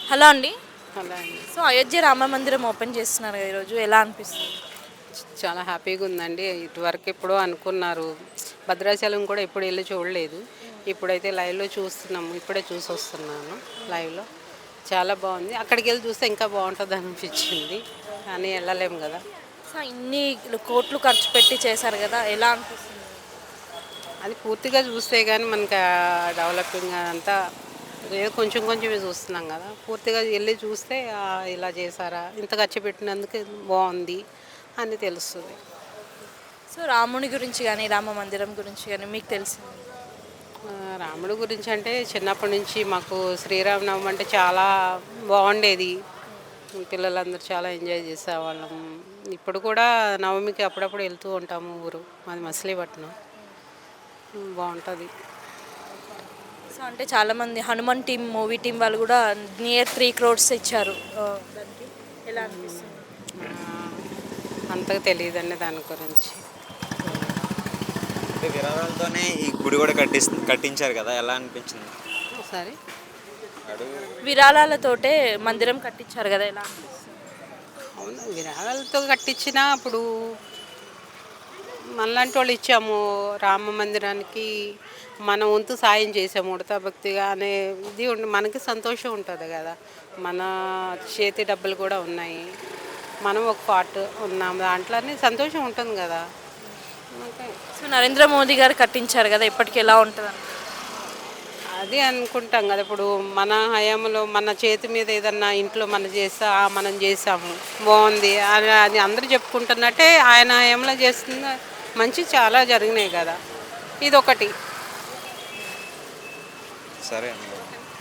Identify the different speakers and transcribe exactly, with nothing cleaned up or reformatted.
Speaker 1: Hello అండి.
Speaker 2: అలా అండి.
Speaker 1: సో అయోధ్య రామ మందిరం ఓపెన్ చేస్తున్నారు కదా ఈరోజు, ఎలా అనిపిస్తుంది?
Speaker 2: చాలా హ్యాపీగా ఉందండి. ఇటువరకు ఎప్పుడో అనుకున్నారు. భద్రాచలం కూడా ఎప్పుడు వెళ్ళి చూడలేదు. ఇప్పుడైతే లైవ్లో చూస్తున్నాము. ఇప్పుడే చూసి వస్తున్నాను లైవ్లో. చాలా బాగుంది. అక్కడికి వెళ్ళి చూస్తే ఇంకా బాగుంటుంది అనిపించింది, కానీ వెళ్ళలేము కదా.
Speaker 1: సో ఇన్ని కోట్లు ఖర్చు పెట్టి చేశారు కదా, ఎలా అనిపిస్తుంది?
Speaker 2: అది పూర్తిగా చూస్తే కానీ మనకి డెవలపింగ్ అంతా ఏదో కొంచెం కొంచెమే చూస్తున్నాం కదా. పూర్తిగా వెళ్ళి చూస్తే "ఆ, ఇలా చేశారా, ఇంత ఖర్చు పెట్టినందుకు బాగుంది" అని తెలుస్తుంది.
Speaker 1: సో రాముని గురించి కానీ రామ మందిరం గురించి కానీ మీకు తెలిసింది?
Speaker 2: ఆ, రాముడి గురించి అంటే చిన్నప్పటి నుంచి మాకు శ్రీరామనవమి అంటే చాలా బాగుండేది. పిల్లలందరూ చాలా ఎంజాయ్ చేసేవాళ్ళం. ఇప్పుడు కూడా నవమికి అప్పుడప్పుడు వెళ్తూ ఉంటాము. ఊరు మాది మచిలీపట్నం. బాగుంటుంది.
Speaker 1: సో అంటే చాలామంది హనుమాన్ టీం మూవీ టీం వాళ్ళు కూడా నియర్ త్రీ క్రోడ్స్ ఇచ్చారు ఆ, దానికి ఎలా అనిపిస్తుంది?
Speaker 2: అంతగా తెలియదండి దాని గురించి.
Speaker 3: అంటే విరాళాలతోనే ఈ గుడి కూడా కట్టిస్ కట్టించారు కదా, ఎలా అనిపించింది?
Speaker 2: ఒకసారి
Speaker 1: విరాళాలతోటే మందిరం కట్టించారు కదా, ఎలా అనిపిస్తుంది?
Speaker 2: అవును, విరాళాలతో కట్టించినా అప్పుడు మనలాంటి వాళ్ళు ఇచ్చాము రామ మందిరానికి, మన వంతు సాయం చేసాము ఉడతా భక్తిగా అనే ఇది ఉండి మనకి సంతోషం ఉంటుంది కదా. మన చేతి డబ్బులు కూడా ఉన్నాయి, మనం ఒక పార్ట్ ఉన్నాం దాంట్లోనే సంతోషం ఉంటుంది కదా. ఓకే.
Speaker 1: సో నరేంద్ర మోదీ గారు కట్టించారు కదా, ఇప్పటికి ఎలా ఉంటుంది అనుకుంటున్నారు?
Speaker 2: అది అనుకుంటాం కదా. ఇప్పుడు మన హయాంలో మన చేతి మీద ఏదన్నా ఇంట్లో మనం చేస్తా "ఆ, మనం చేసాము బాగుంది" అని అది అందరూ చెప్పుకుంటున్నట్టే ఆయన హయాంలో చేస్తున్న మంచి చాలా జరిగినాయి కదా. ఇదొకటి.
Speaker 3: సరే అండి.